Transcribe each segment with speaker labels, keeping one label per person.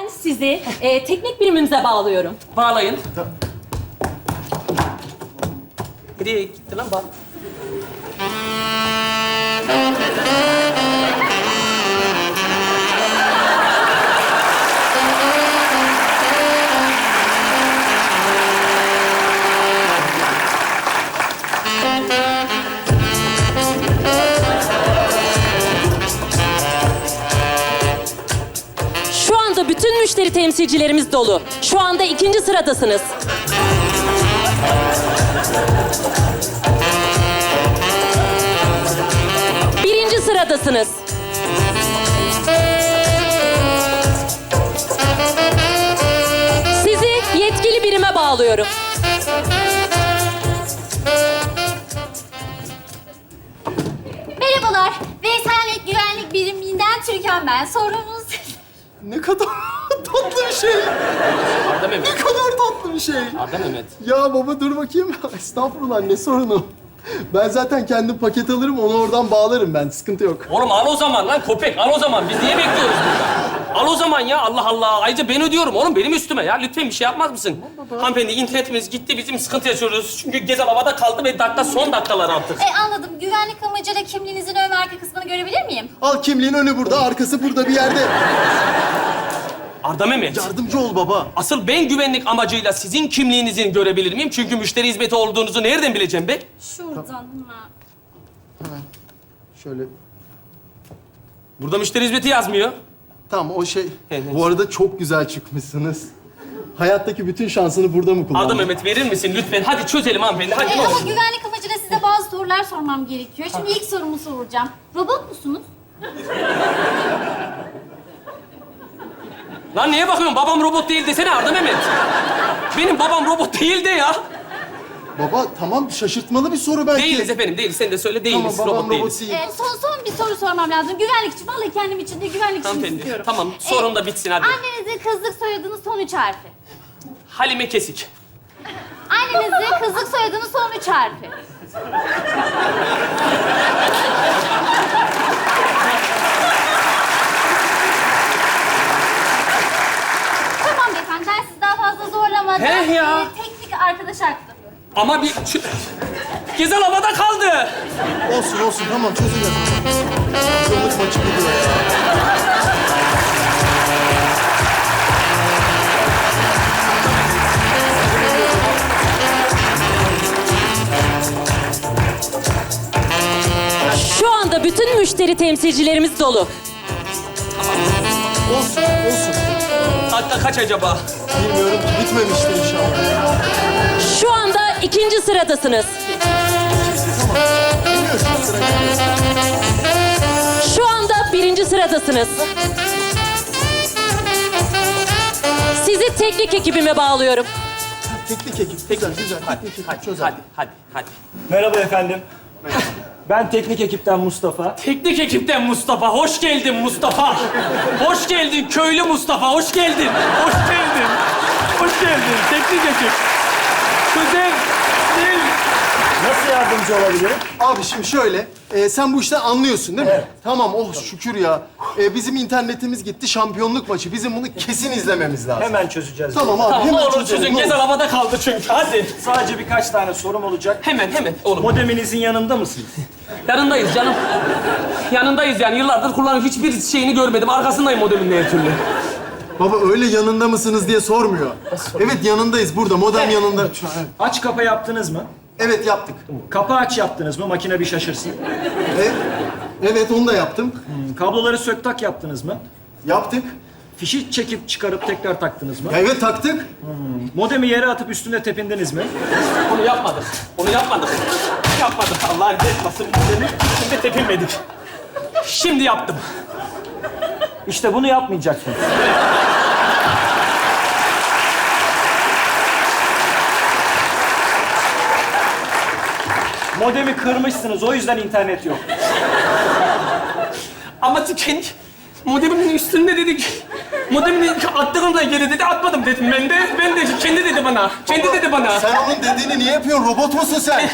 Speaker 1: Ben sizi teknik birimimize bağlıyorum.
Speaker 2: Bağlayın. Nereye gitti lan bak?
Speaker 1: Şu anda bütün müşteri temsilcilerimiz dolu. Şu anda 2. sıradasınız. Birinci sıradasınız. Sizi yetkili birime bağlıyorum.
Speaker 3: Merhabalar. Veysel'le güvenlik biriminden Türkan ben. Sorunuz...
Speaker 4: Ne kadar tatlı bir şey.
Speaker 2: Arda Mehmet.
Speaker 4: Ne kadar tatlı bir şey.
Speaker 2: Arda Mehmet.
Speaker 4: Ya baba dur bakayım. Estağfurullah ne sorunu. Ben zaten kendim paket alırım, onu oradan bağlarım ben. Sıkıntı yok.
Speaker 2: Oğlum al o zaman lan köpek, al o zaman. Biz niye bekliyoruz burada? Al o zaman ya, Allah Allah. Ayrıca ben ödüyorum oğlum, benim üstüme ya. Lütfen bir şey yapmaz mısın? Hanımefendi, internetimiz gitti, bizim sıkıntı yaşıyoruz. Çünkü Gezel havada kaldı ve son dakikalar artık.
Speaker 3: Anladım. Güvenlik amacıyla kimliğinizin ön ve arka kısmını görebilir miyim?
Speaker 4: Al kimliğin önü burada, arkası burada bir yerde.
Speaker 2: Arda Mehmet,
Speaker 4: Yardımcı ol baba.
Speaker 2: asıl ben güvenlik amacıyla sizin kimliğinizi görebilir miyim? Çünkü müşteri hizmeti olduğunuzu nereden bileceğim be?
Speaker 3: Şuradan hemen.
Speaker 4: Şöyle.
Speaker 2: Burada müşteri hizmeti yazmıyor.
Speaker 4: Tamam o şey.
Speaker 2: Evet.
Speaker 4: Bu arada çok güzel çıkmışsınız. Hayattaki bütün şansını burada mı kullandın?
Speaker 2: Arda Mehmet verir misin lütfen? Hadi çözelim hanımefendi, hadi ne
Speaker 3: Ama
Speaker 2: olur.
Speaker 3: güvenlik amacıyla size bazı sorular sormam gerekiyor. Şimdi ilk sorumu soracağım. Robot musunuz?
Speaker 2: Lan neye bakıyorsun? Babam robot değil desene Arda Mehmet. Benim babam robot değil de ya.
Speaker 4: Baba tamam şaşırtmalı bir soru belki.
Speaker 2: Değiliz efendim, değiliz. Sen de söyle değiliz,
Speaker 4: Tamam babam
Speaker 2: robot
Speaker 4: robot
Speaker 2: değiliz.
Speaker 4: değil.
Speaker 3: Son bir soru sormam lazım. Güvenlik için. Vallahi kendim için de güvenlik için
Speaker 2: Hanımefendi,
Speaker 3: istiyorum.
Speaker 2: tamam. Sorun da bitsin hadi.
Speaker 3: Annenizin kızlık soyadının son 3 harfi.
Speaker 2: Halime Kesik.
Speaker 3: Annenizin kızlık soyadının son 3 harfi. Tamam beyefendi, ben sizi daha fazla zorlamadım.
Speaker 2: He ya.
Speaker 3: Teknik arkadaş haklı.
Speaker 2: Ama bir... Gezel havada kaldı.
Speaker 4: Olsun tamam çözeceğiz. Şampiyonluk maçı gidiyor ya.
Speaker 1: Şu anda bütün müşteri temsilcilerimiz dolu.
Speaker 4: Olsun.
Speaker 2: Dakika kaç acaba?
Speaker 4: Bilmiyorum ki bitmemiştir inşallah.
Speaker 1: Şu anda 2. sıradasınız.
Speaker 4: Bilmiyorsun sıra geliyor.
Speaker 1: Şu anda 1. sıradasınız. Sizi teknik ekibime bağlıyorum.
Speaker 4: Teknik ekip. Güzel. Teknik ekip çözer.
Speaker 2: Hadi.
Speaker 5: Merhaba efendim. Ben teknik ekipten Mustafa.
Speaker 2: Teknik ekipten Mustafa. Hoş geldin Mustafa. Hoş geldin köylü Mustafa. Hoş geldin. Hoş geldin. Teknik ekip. Güzel.
Speaker 5: Nasıl yardımcı olabilirim?
Speaker 4: Abi şimdi şöyle, sen bu işten anlıyorsun değil mi?
Speaker 5: Evet.
Speaker 4: Tamam, oh şükür ya. Bizim internetimiz gitti, şampiyonluk maçı. Bizim bunu kesin izlememiz lazım.
Speaker 5: Hemen çözeceğiz.
Speaker 4: Tamam abi,
Speaker 2: Tamam ne
Speaker 4: hemen
Speaker 2: olur
Speaker 4: çözelim.
Speaker 2: çözün.
Speaker 4: ne
Speaker 2: Gezel
Speaker 4: olur.
Speaker 2: havada kaldı çünkü. Hadi.
Speaker 5: Sadece birkaç tane sorum olacak.
Speaker 2: Hemen oğlum.
Speaker 5: Modeminizin yanında mısınız?
Speaker 2: Yanındayız canım. Yanındayız yani. Yıllardır kullanıp hiçbir şeyini görmedim. Arkasındayım modemin her türlü.
Speaker 4: Baba öyle yanında mısınız diye sormuyor. Evet yanındayız burada, modem yanında. Şu an, evet.
Speaker 5: Aç kapa yaptınız mı?
Speaker 4: Evet yaptık.
Speaker 5: Kapı aç yaptınız mı? Makine bir şaşırsın.
Speaker 4: Evet onu da yaptım.
Speaker 5: Kabloları sök tak yaptınız mı?
Speaker 4: Yaptık.
Speaker 5: Fişi çekip çıkarıp tekrar taktınız mı?
Speaker 4: Evet taktık.
Speaker 5: Modemi yere atıp üstüne tepindiniz mi?
Speaker 2: Onu yapmadık. Yapmadık. Allah etmesin. Şimdi tepinmedik. Şimdi yaptım.
Speaker 5: İşte bunu yapmayacaksınız. Modemi kırmışsınız, o yüzden internet yok.
Speaker 2: Ama kendi modemin üstünde dedik. Modemin attığımda geri dedi, atmadım dedim ben de. Kendi dedi bana.
Speaker 4: Sen onun dediğini niye yapıyorsun? Robot musun sen?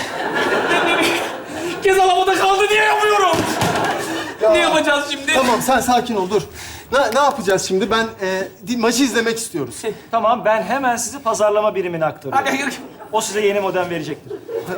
Speaker 2: Gezel havada kaldı diye yapıyorum. Ne yapacağız şimdi?
Speaker 4: Tamam sen sakin ol dur. Ne yapacağız şimdi? Ben maçı izlemek istiyoruz.
Speaker 5: Tamam, ben hemen sizi pazarlama birimine aktarıyorum.
Speaker 2: Hadi yürü.
Speaker 5: O size yeni modem verecektir.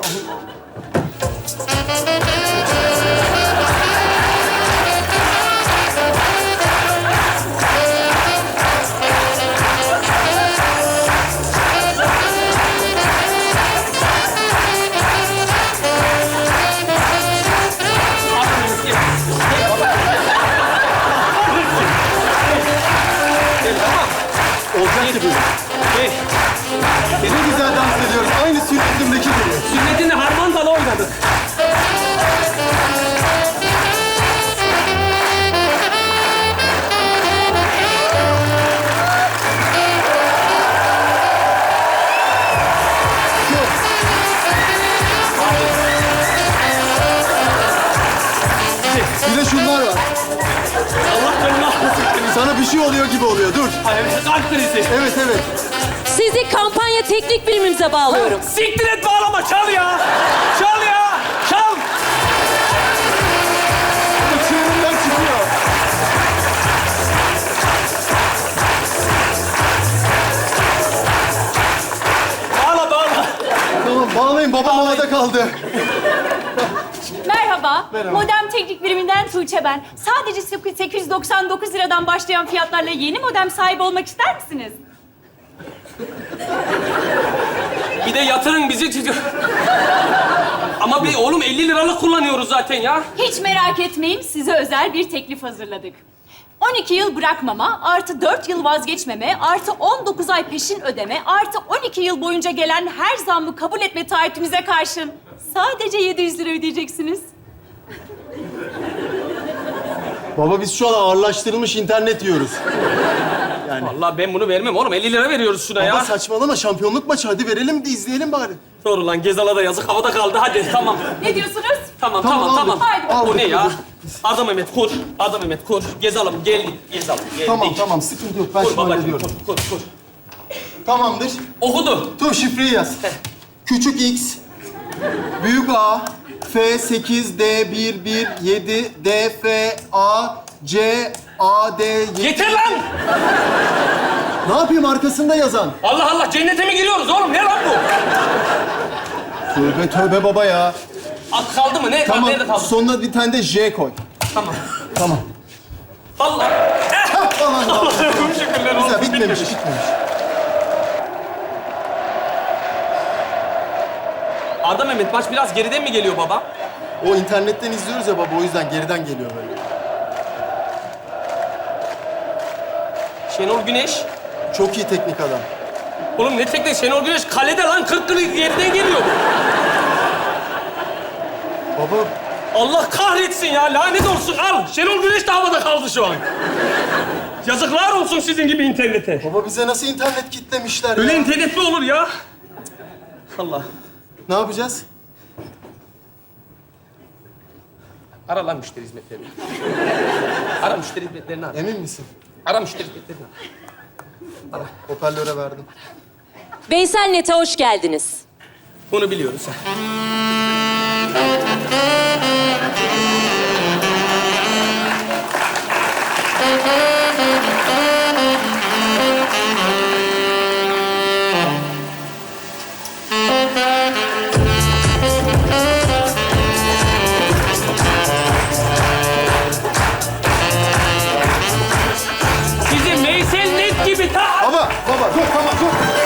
Speaker 4: Olacak gibi. Ne güzel dans ediyoruz. Aynı sünnetimdeki gibi.
Speaker 2: Sünnetinde harmandalı oynadık.
Speaker 4: Bir de şunlar var.
Speaker 2: Allah canını almasın.
Speaker 4: Sana bir şey oluyor gibi oluyor. Dur.
Speaker 2: Kalp krizi.
Speaker 4: Evet, evet.
Speaker 1: Sizi kampanya teknik birimimize bağlıyorum.
Speaker 2: Siktir et bağlama, çal ya. Çal ya. Çal.
Speaker 4: Çığırından çıkıyor.
Speaker 2: Bağla, bağla.
Speaker 4: Tamam, bağlayın. Babam havada kaldı.
Speaker 6: Merhaba. Modem teknik biriminden Tuğçe ben. Sadece 899 liradan başlayan fiyatlarla yeni modem sahibi olmak ister misiniz?
Speaker 2: Bir de yatırın bizi. Ama bir oğlum 50 liralık kullanıyoruz zaten ya.
Speaker 6: Hiç merak etmeyin, size özel bir teklif hazırladık. 12 yıl bırakmama, artı 4 yıl vazgeçmeme, artı 19 ay peşin ödeme, artı 12 yıl boyunca gelen her zammı kabul etme taahhütümüze karşın sadece 700 lira ödeyeceksiniz.
Speaker 4: Baba biz şu an ağırlaştırılmış internet yiyoruz.
Speaker 2: Vallahi ben bunu vermem oğlum. 50 lira veriyoruz şuna
Speaker 4: Baba
Speaker 2: ya.
Speaker 4: saçmalama. Şampiyonluk maçı. Hadi verelim de izleyelim bari.
Speaker 2: Doğru lan, Gezal'a da yazık. Havada kaldı. Hadi tamam.
Speaker 6: Ne diyorsunuz?
Speaker 2: Tamam,
Speaker 4: Tamam,
Speaker 2: tamam,
Speaker 4: aldık.
Speaker 2: tamam.
Speaker 6: Haydi
Speaker 4: bakalım.
Speaker 2: Bu ne ya?
Speaker 4: Aldık.
Speaker 2: Arda Mehmet kur. Arda Mehmet kur. Gezalım, gel. Gezalım, geldik.
Speaker 4: Tamam, sıkıntı yok. Ben
Speaker 2: Kur
Speaker 4: şimdi
Speaker 2: babacığım,
Speaker 4: hallediyorum.
Speaker 2: kur.
Speaker 4: Tamamdır.
Speaker 2: Okudu.
Speaker 4: Dur şifreyi yaz. Küçük X, büyük A, F8, D11, 7, D, F, A, C, A, D, 7.
Speaker 2: Yeter lan!
Speaker 4: Ne yapayım arkasında yazan?
Speaker 2: Allah Allah, cennete mi giriyoruz oğlum? Ne lan bu?
Speaker 4: Tövbe tövbe baba ya.
Speaker 2: At kaldı mı? Ne?
Speaker 4: Tamam,
Speaker 2: Nerede kaldı?
Speaker 4: sonuna bir tane de J koy.
Speaker 2: Tamam.
Speaker 4: Tamam.
Speaker 2: Allah.
Speaker 4: Aman Allah'ım.
Speaker 2: Allah'ım şükürler olsun.
Speaker 4: Güzel, bitmemiş.
Speaker 2: Arda Mehmet, maç biraz geriden mi geliyor baba?
Speaker 4: O internetten izliyoruz ya baba, o yüzden geriden geliyor böyle.
Speaker 2: Şenol Güneş.
Speaker 4: Çok iyi teknik adam.
Speaker 2: Oğlum ne tekne? Şenol Güneş kalede lan. 40 geriden geliyor bu.
Speaker 4: Baba,
Speaker 2: Allah kahretsin ya. Lanet olsun. Al. Şenol Güneş de havada kaldı şu an. Yazıklar olsun sizin gibi internete.
Speaker 4: baba bize nasıl internet kitlemişler
Speaker 2: Öyle
Speaker 4: ya?
Speaker 2: internet mi olur ya? Allah.
Speaker 4: Ne yapacağız?
Speaker 2: Ara lan müşteri hizmetlerini. Ara müşteri hizmetlerini ara.
Speaker 4: Emin misin?
Speaker 2: Ara müşteri hizmetlerini ara.
Speaker 4: Hoparlöre verdim.
Speaker 1: Veysel Net'e hoş geldiniz.
Speaker 2: Bunu biliyoruz. Bizim Veysel Net gibi ta...
Speaker 4: Baba dur tamam dur.